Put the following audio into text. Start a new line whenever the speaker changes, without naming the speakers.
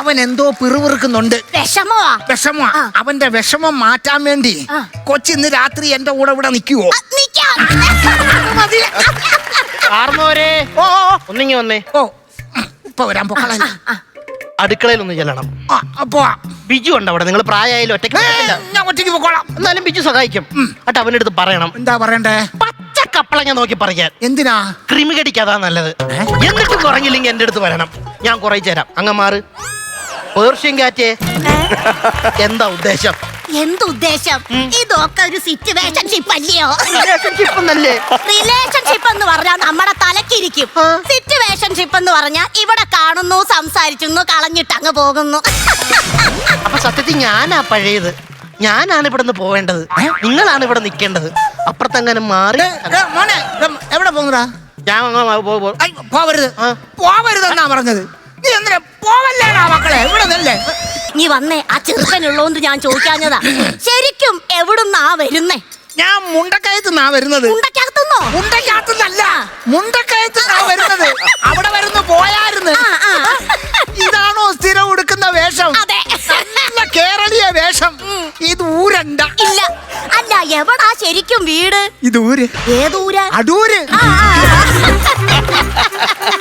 അവൻ എന്തോ പിറുപിറുക്കുന്നുണ്ട്.
വിഷമോ?
അവന്റെ വിഷമം മാറ്റാൻ വേണ്ടി കൊച്ചിന്ന് രാത്രി എന്റെ കൂടെ ഇവിടെ നിൽക്കുവോ?
ഓ ഒന്നിങ്ങി വന്നേ.
ഓ ഇപ്പൊ വരാൻ പൊക്കളല്ല.
അടുക്കളയിൽ ഒന്ന് ചെല്ലണം.
അപ്പോ
ബിജു ഉണ്ട് അവിടെ. നിങ്ങൾ പ്രായമായാലും ഒറ്റയ്ക്ക്
ഞാൻ ഒറ്റയ്ക്ക് പൊക്കോളാം.
എന്നാലും ബിജു സഹായിക്കും. എന്നിട്ട് അവന്റെ അടുത്ത് പറയണം.
എന്താ പറയണ്ടേ?
പച്ച കപ്പളങ്ങ നോക്കി പറയാൻ.
എന്തിനാ?
ക്രിമി കടിക്കാതാ നല്ലത്. എന്നിട്ട് കുറഞ്ഞില്ലെങ്കിൽ എന്റെ അടുത്ത് വരണം. ഞാൻ കുറയിച്ചു തരാം. അങ്ങ് മാറ്. പേർഷ്യൻ കാറ്റേ. എന്താ ഉദ്ദേശം?
എന്തുദ്ദേശം? ഇതൊക്കെ ഒരു സിറ്റുവേഷൻഷിപ്പ് അല്ലയോ?
റിലേഷൻഷിപ്പ്
എന്ന് പറഞ്ഞാൽ നമ്മുടെ തലക്കിരിക്കും. സിറ്റുവേഷൻഷിപ്പ് എന്ന് പറഞ്ഞാൽ ഇവിടെ കാണുന്നു, സംസാരിക്കുന്നു, കളഞ്ഞിട്ട് അങ്ങ് പോകുന്നു.
അപ്പൊ സത്യത്തിൽ ഞാനാ പഴയത്. ഞാനാണ് ഇവിടെ നിന്ന് പോവേണ്ടത്. നിങ്ങളാണ് ഇവിടെ നിൽക്കേണ്ടത്. അപ്പുറത്തെങ്ങനെ മാറി.
മോനെ എവിടെ പോകുന്നടാ?
ഞാൻ
പോവരുത്, പോവരുതെന്നാ പറഞ്ഞത്. നീ എന്തിനാ പോവല്ലേടാ മക്കളെ? ഇവിടെ നിന്നല്ലേ
നീ വന്നേ. ആ ചെറുക്കനുള്ളോണ്ട് ഞാൻ ചോദിക്കാഞ്ഞതാ. ശരിക്കും എവിടുന്നാ വരുന്നേ?
ഞാൻ മുണ്ടക്കയത്തുനിന്നാ വരുന്നത്.
മുണ്ടക്കകത്തുന്നോ?
മുണ്ടക്കകത്തുനിന്നല്ല, മുണ്ടക്കയത്തുനിന്നാ വരുന്നത്. അവിടെ വരുന്നു പോയായിരുന്നു. ഇതാണോ സ്ഥിരം ഉടുക്കുന്ന വേഷം?
അതെ,
നല്ല കേരളീയ വേഷം. ഇത് ഊരണ്ട.
ഇല്ല. അല്ല, എവിടാ ശരിക്കും വീട്?
ഇത് ഊര്.
ഏതൂര്?
അടൂര്.